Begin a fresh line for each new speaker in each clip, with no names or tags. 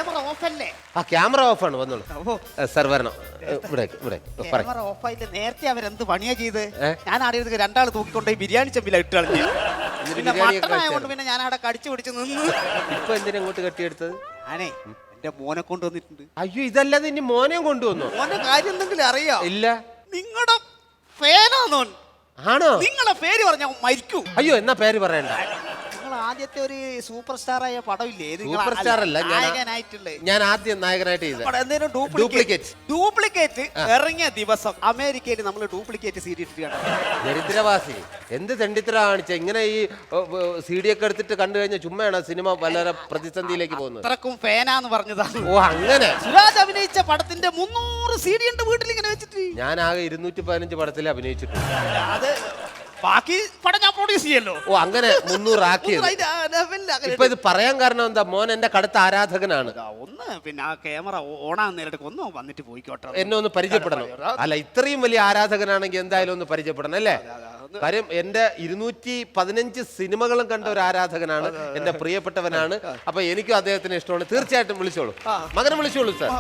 Camera ഓഫല്ലേ?
ആ camera ഓഫാണ്, വന്നോളൂ സാർ. വരണം ഇവിടെ ഇവിടെ.
ക്യാമറ ഓഫായില്ല. നേരത്തെ അവരെന്ത് പണിയാ ചെയ്ത്? ഞാൻ അറിയത് രണ്ടാൾ തൂക്കിക്കൊണ്ടേ ബിരിയാണി ചെമ്പില ഇട്ട് കളഞ്ഞു. പിന്നെ മട്ടനായതുകൊണ്ട് പിന്നെ ഞാൻ അവിടെ കടിച്ചു പിടിച്ച് നിന്ന്.
ഇപ്പൊ എന്തിനാ ഇങ്ങോട്ട് കെട്ടിയെടുത്തത്?
ഞാനേ എന്റെ മോനെ കൊണ്ടുവന്നിട്ടുണ്ട്.
അയ്യോ, ഇതല്ലാതെ ഇനി മോനെയും കൊണ്ടുവന്നു?
മോന്റെ കാര്യം എന്തെങ്കിലും അറിയോ?
ഇല്ല.
നിങ്ങളുടെ ഫാനാണോ?
ആണോ?
നിങ്ങളുടെ പേര് പറഞ്ഞ മരിക്കൂ.
അയ്യോ, എന്നാ പേര് പറയണ്ട.
ആദ്യത്തെ ഒരു സൂപ്പർ സ്റ്റാർ ആയ പടമില്ലേ?
സൂപ്പർ സ്റ്റാർ അല്ല, ഞാൻ ആദ്യം നായകനായിട്ട് ചെയ്ത
ഡ്യൂപ്ലിക്കേറ്റ് ഇറങ്ങിയ ദിവസം അമേരിക്കയിൽ നമ്മൾ ഡ്യൂപ്ലിക്കേറ്റ് സീഡി ഇട്ടിട്ടാണ്.
ദരിദ്രവാസി എന്ത് തെണ്ടിത്തര കാണിച്ച ഇങ്ങനെ ഈ സീഡി ഒക്കെ എടുത്തിട്ട് കണ്ടു കഴിഞ്ഞാൽ ചുമ്മയാണ് സിനിമ വളരെ പ്രതിസന്ധിയിലേക്ക് പോകുന്നത്.
അത്രക്കും ഫാനാന്ന് പറഞ്ഞതാണ്.
ഓ അങ്ങനെ.
സുരാജ് അഭിനയിച്ച പടത്തിന്റെ 300 സീഡി ഉണ്ട് വീട്ടിൽ ഇങ്ങനെ വെച്ചിട്ട്.
ഞാൻ ആകെ 215 പടത്തിൽ അഭിനയിച്ചിട്ടുണ്ട്.
അത് ബാക്കി പടം ഞാൻ പ്രൊഡ്യൂസ് ചെയ്യല്ലോ.
ഓ അങ്ങനെ 300 ആക്കിയത്. ഇപ്പൊ ഇത് പറയാൻ കാരണം എന്താ? മോൻ എന്റെ കടുത്ത ആരാധകനാണ്.
ഒന്ന് പിന്നെ ആ ക്യാമറ ഓണാകുന്ന നേരത്തേക്ക് ഒന്ന് വന്നിട്ട് പോയിക്കോട്ടെ,
എന്നെ ഒന്ന് പരിചയപ്പെടണം. അല്ല, ഇത്രയും വലിയ ആരാധകനാണെങ്കിൽ എന്തായാലും ഒന്ന് പരിചയപ്പെടണം അല്ലേ? കാര്യം എന്റെ 215 സിനിമകളും കണ്ട ഒരു ആരാധകനാണ്, എന്റെ പ്രിയപ്പെട്ടവനാണ്. അപ്പൊ എനിക്കും അദ്ദേഹത്തിന് ഇഷ്ടമാണ്. തീർച്ചയായിട്ടും വിളിച്ചോളൂ, മകനെ വിളിച്ചോളൂ സാർ.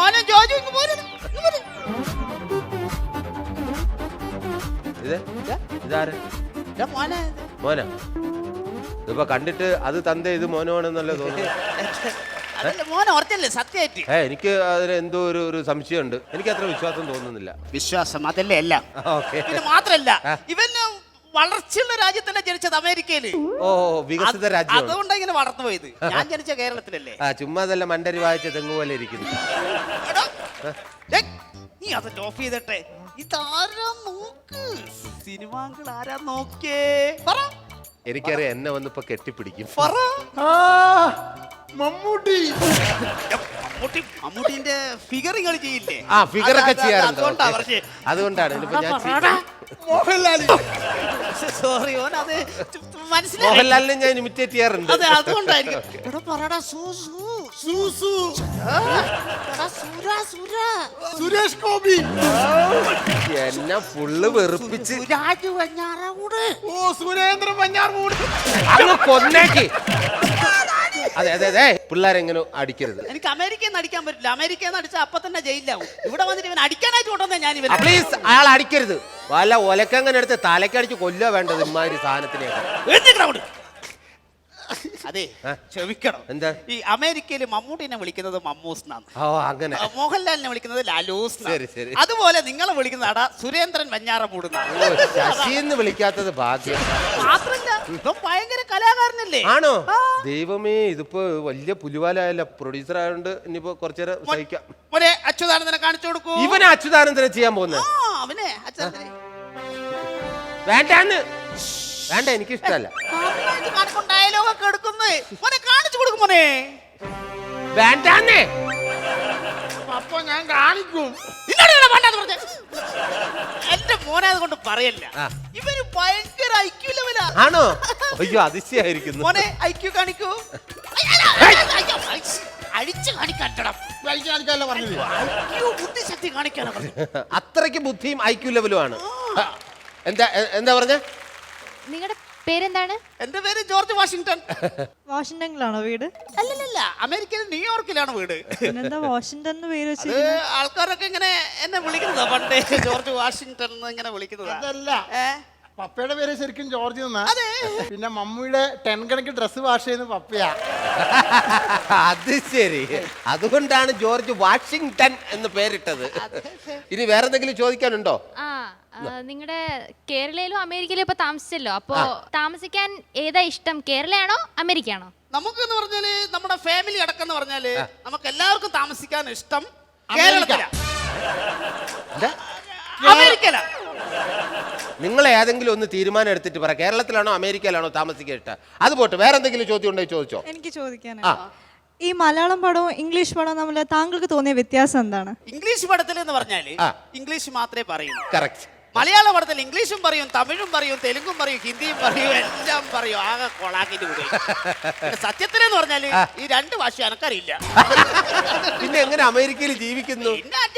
ഇതാരെ മോന? ഇതിപ്പോ കണ്ടിട്ട് അത് തന്റെ ഇത് മോനോണെന്നല്ലേ തോന്നുന്നു. എനിക്ക് അതിന് എന്തോ ഒരു സംശയമുണ്ട്. എനിക്ക് അത്ര വിശ്വാസം തോന്നുന്നില്ല.
വിശ്വാസം അതല്ലേ അല്ല. മാത്രല്ല ഇവന് വളർച്ചയുള്ള രാജ്യത്തല്ലേ ജനിച്ചത്, അമേരിക്കയില്.
ഓ, വികസിത രാജ്യം.
അതുകൊണ്ടാണ് ഇങ്ങനെ വളർന്നു പോയത്. ഞാൻ ജനിച്ച കേരളത്തിലല്ലേ.
ചുമ്മാതല്ല, മണ്ടരി വായിച്ച തെങ്ങ് പോലെ ഇരിക്കുന്നു.
നീ അത് ഓഫ് ചെയ്തിട്ടെ. ഇതാരാ നോക്ക്, സിനിമാങ്കൾ ആരാ നോക്കേ? പറ.
എനിക്കറിയാം, എന്നെ വന്നിപ്പോ കെട്ടിപ്പിടിക്കും.
മമ്മൂട്ടിന്റെ ഫിഗറുകൾ ചെയ്യില്ലേ?
ആ, ഫിഗറൊക്കെ ചെയ്യാറുണ്ട്. അതുകൊണ്ടാണ്
സോറി, അത്
മോഹൻലാലിനെ ഞാൻ ഇമിറ്റേറ്റ് ചെയ്യാറുണ്ട്.
സുരേഷ് ഗോപി
എന്നെ ഫുള്ള് വെറുപ്പിച്ച്.
ഓ, സുരേന്ദ്രൻ വഞ്ഞാറമൂട്
അങ്ങ് കൊന്നേക്ക്. അതെ അതെ അതെ, പിള്ളേരെങ്ങനെ അടിക്കരുത്.
എനിക്ക് അമേരിക്കയിൽ നിന്ന് അടിക്കാൻ പറ്റില്ല. അമേരിക്കയിൽ നിന്ന് അടിച്ചാൽ അപ്പൊ തന്നെ ജയിലാവും. ഇവിടെ വന്നിട്ട് ഇവൻ അടിക്കാനായിട്ട് കൊണ്ടുവന്നേ ഞാൻ. ഇവൻ
പ്ലീസ്, അയാൾ അടിക്കരുത്. വല്ല ഒലക്കങ്ങനെ എടുത്ത് തലക്കടിച്ച് കൊല്ലുക വേണ്ടത് ഇമാതിരി സാധനത്തിനെ.
അതെ, ക്ഷമിക്കണം.
എന്താ?
ഈ അമേരിക്കയിൽ മമ്മൂട്ടിനെ വിളിക്കുന്നത് മമ്മൂസ് എന്നാണ്.
ഓ അങ്ങനെ.
മോഹൻലാലിനെ വിളിക്കുന്നത് ലാലൂസ്.
ശരി ശരി.
അതുപോലെ നിങ്ങളെ വിളിക്കുന്ന സുരേന്ദ്രൻ വഞ്ഞാറമൂട്.
ശശിന്ന് വിളിക്കാത്തത് ഭാഗ്യം.
മാത്രല്ല ഇപ്പം ഭയങ്കര കലാകാരനല്ലേ?
ആണോ? ദൈവമേ, ഇതിപ്പോ വലിയ പുലിവാലായല്ല. പ്രൊഡ്യൂസർ ആയതുകൊണ്ട് ഇനിയിപ്പോ കുറച്ചേരം സഹിക്കാം.
അച്യുതാനന്ദനെ കാണിച്ചു കൊടുക്കൂ.
ഇവനെ അച്യുതാനന്ദനെ ചെയ്യാൻ പോകുന്നത്?
അവനെ അച്യുതാനന്ദനെ
വേണ്ടാന്ന്. വേണ്ട, എനിക്കിഷ്ടല്ല.
ഡയലോഗൊക്കെ എടുക്കുന്നേ കാണിച്ചു കൊടുക്കും മോനെ.
വേണ്ടാന്നേ.
അപ്പൊ ഞാൻ കാണിക്കും.
എന്റെ മോനെ അതുകൊണ്ട് പറയല്ല. ഇവര് ഭയങ്കര ഐക്യു ലെവലാ.
ആണോ? അയ്യോ, അതിശയായിരിക്കുന്നു.
മോനെ ഐക്യു കാണിക്കൂ. അടിച്ചു കാണിക്കാട്ടണം. ബുദ്ധിശക്തി കാണിക്കാനാ പറഞ്ഞത്.
അത്രയ്ക്ക് ബുദ്ധിയും ഐക്യു ലെവലുമാണ്. എന്താ എന്താ പറഞ്ഞ?
നിങ്ങളുടെ പേരെന്താണ്?
എന്റെ പേര് ജോർജ് വാഷിംഗ്ടൺ.
വാഷിംഗ്ടണിലാണോ വീട്?
അല്ലല്ല, അമേരിക്കയിൽ ന്യൂയോർക്കിലാണ് വീട്.
പിന്നെന്താ വാഷിംഗ്ടൺ എന്ന് പേര് വെച്ചിരിക്കുന്നത്?
ആൾക്കാരൊക്കെ ഇങ്ങനെ എന്നെ വിളിക്കുന്നതാ പണ്ടേ, ജോർജ് വാഷിംഗ്ടൺ എന്ന് ഇങ്ങനെ വിളിക്കുന്നതാ.
അതല്ല, പപ്പയുടെ പേര് ശരിക്കും ജോർജ് എന്നാ. പിന്നെ മമ്മിയുടെ 10 കണക്ക് ഡ്രസ് വാഷ് ചെയ്യുന്ന പപ്പയാ.
അത് ശരി, അതുകൊണ്ടാണ് ജോർജ് വാഷിംഗ്ടൺ എന്ന് പേരിട്ടത്. ഇനി വേറെ എന്തെങ്കിലും ചോദിക്കാനുണ്ടോ?
നിങ്ങളുടെ കേരളയിലും അമേരിക്കയിലും ഇപ്പൊ താമസിച്ചല്ലോ, അപ്പൊ താമസിക്കാൻ ഏതാ ഇഷ്ടം, കേരളയാണോ അമേരിക്കയാണോ?
നമുക്കെന്ന് പറഞ്ഞാല് നമ്മുടെ ഫാമിലി അടക്കം പറഞ്ഞാല് നമുക്ക് എല്ലാവർക്കും താമസിക്കാൻ ഇഷ്ടം കേരളത്തിലാ. അമേരിക്കയിലാ.
നിങ്ങൾ ഏതെങ്കിലും ഒന്ന് തീരുമാനം എടുത്തിട്ട് പറ, കേരളത്തിലാണോ അമേരിക്കയിലാണോ താമസിക്കാൻ ഇഷ്ടം? അത് പോട്ടെ, വേറെ എന്തെങ്കിലും ചോദ്യം ഉണ്ടോ ചോദിച്ചോ.
എനിക്ക് ചോദിക്കാനാണ്, ഈ മലയാളം പടവും ഇംഗ്ലീഷ് പടവും തമ്മിൽ താങ്കൾക്ക് തോന്നിയ വ്യത്യാസം എന്താണ്?
ഇംഗ്ലീഷ് പടത്തിൽ എന്ന് പറഞ്ഞാല് ഇംഗ്ലീഷ് മാത്രമേ പറയൂ.
കറക്റ്റ്.
മലയാള പടത്തിൽ ഇംഗ്ലീഷും പറയും, തമിഴും പറയും, തെലുങ്കും പറയും, ഹിന്ദിയും പറയും, എല്ലാം പറയും. ആകെ കൊളാക്കിട്ട് വിടും. സത്യത്തിലെന്ന് പറഞ്ഞാല് ഈ 2 ഭാഷ എനക്കറിയില്ല.
പിന്നെ എങ്ങനെ അമേരിക്കയിൽ ജീവിക്കുന്നു?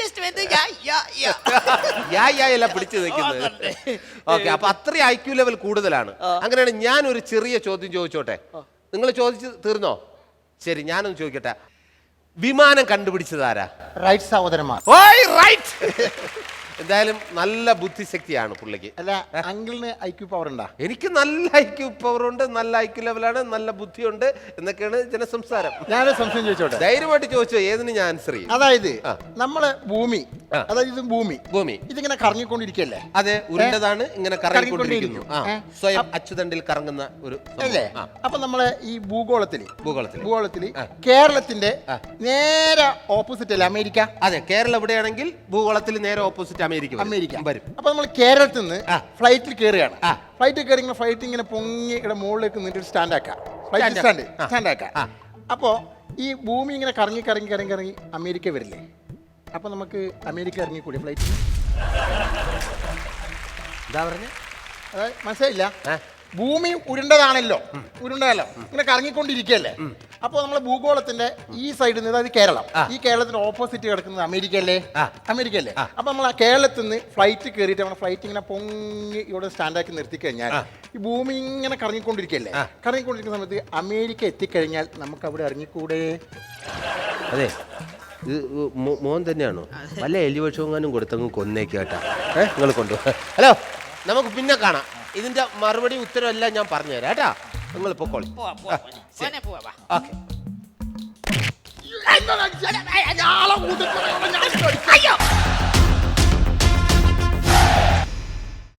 എല്ലാം പിടിച്ചു നിൽക്കുന്നത്. ഓക്കെ, അപ്പൊ അത്രയും ഐക്യു ലെവൽ കൂടുതലാണ്. അങ്ങനെയാണ്. ഞാൻ ഒരു ചെറിയ ചോദ്യം ചോദിച്ചോട്ടെ? നിങ്ങൾ ചോദിച്ചു തീർന്നോ? ശരി, ഞാനൊന്ന് ചോദിക്കട്ടെ. വിമാനം കണ്ടുപിടിച്ചത് ആരാ?
റൈറ്റ് സഹോദരന്മാർ.
ഓയ് റൈറ്റ്. എന്തായാലും നല്ല ബുദ്ധിശക്തിയാണ് പുള്ളിക്ക്.
അല്ല അങ്കിളിന് ഐക്യു പവർ ഉണ്ടാ?
എനിക്ക് നല്ല ഐക്യു പവർ ഉണ്ട്, നല്ല ഐക്യു ലെവലാണ്, നല്ല ബുദ്ധിയുണ്ട് എന്നൊക്കെയാണ് ജനസംസാരം.
ഞാനൊരു സംശയം ചോദിച്ചോട്ടെ?
ധൈര്യമായിട്ട് ചോദിച്ചോ, ഏതിന് ഞാൻ ആൻസർ ചെയ്യും.
അതായത് നമ്മളെ ഭൂമി, അതായത് ഇത് ഭൂമി ഇതിങ്ങനെ കറങ്ങിക്കൊണ്ടിരിക്കല്ലേ?
അതെ, ഉരുണ്ടതാണ്, ഇങ്ങനെ കറങ്ങിക്കൊണ്ടിരിക്കുന്നു. സ്വയം അച്ചുതണ്ടിൽ കറങ്ങുന്ന ഒരു
അല്ലേ? അപ്പൊ നമ്മളെ ഈ ഭൂഗോളത്തില്
ഭൂഗോളത്തിൽ
കേരളത്തിന്റെ നേരെ ഓപ്പോസിറ്റ് അല്ലേ അമേരിക്ക?
അതെ, കേരളം എവിടെയാണെങ്കിൽ ഭൂഗോളത്തിൽ നേരെ ഓപ്പോസിറ്റ് അമേരിക്ക വരും.
അപ്പൊ നമ്മൾ കേരളത്തിൽ നിന്ന് ഫ്ലൈറ്റിൽ കയറുകയാണ്. ഫ്ലൈറ്റിൽ കയറി ഫ്ലൈറ്റ് ഇങ്ങനെ പൊങ്ങി ഇവിടെ മുകളിലേക്ക് നിന്നിട്ട് സ്റ്റാൻഡ് ആക്കാം. അപ്പോ ഈ ഭൂമി ഇങ്ങനെ കറങ്ങി കറങ്ങി കറങ്ങി കറങ്ങി അമേരിക്ക വരില്ലേ? അപ്പൊ നമുക്ക് അമേരിക്ക ഇറങ്ങിക്കൂടി ഫ്ലൈറ്റിൽ?
എന്താ പറഞ്ഞ?
അതായത് മനസ്സിലായില്ല. ഭൂമി ഉരുണ്ടതാണല്ലോ, ഉരുണ്ടല്ലോ, ഇങ്ങനെ കറങ്ങിക്കൊണ്ടിരിക്കുകയല്ലേ? അപ്പോൾ നമ്മളെ ഭൂഗോളത്തിന്റെ ഈ സൈഡിൽ നിന്ന്, അതായത് കേരളം, ഈ കേരളത്തിന്റെ ഓപ്പോസിറ്റ് കിടക്കുന്നത് അമേരിക്ക അല്ലേ? അപ്പൊ നമ്മൾ ആ കേരളത്തിൽ നിന്ന് ഫ്ലൈറ്റ് കയറിയിട്ട് നമ്മുടെ ഫ്ലൈറ്റ് ഇങ്ങനെ പൊങ്ങി ഇവിടെ സ്റ്റാൻഡാക്കി നിർത്തി കഴിഞ്ഞാൽ ഈ ഭൂമി ഇങ്ങനെ കറങ്ങിക്കൊണ്ടിരിക്കുകയല്ലേ? കറങ്ങിക്കൊണ്ടിരിക്കുന്ന സമയത്ത് അമേരിക്ക എത്തിക്കഴിഞ്ഞാൽ നമുക്ക് അവിടെ ഇറങ്ങിക്കൂടെ?
അതെ, ഇത് മോൻ തന്നെയാണോ? വല്ല എലിവക്ഷങ്ങാനും കൊടുത്തങ്ങ് കൊന്നേക്കാട്ടാ. നിങ്ങൾ കൊണ്ടുപോകാം. ഹലോ, നമുക്ക് പിന്നെ കാണാം. ഇതിന്റെ മറുപടി ഉത്തരം എല്ലാം ഞാൻ പറഞ്ഞുതരാം കേട്ടാ. നിങ്ങൾ പൊക്കോളി. ഓക്കെ.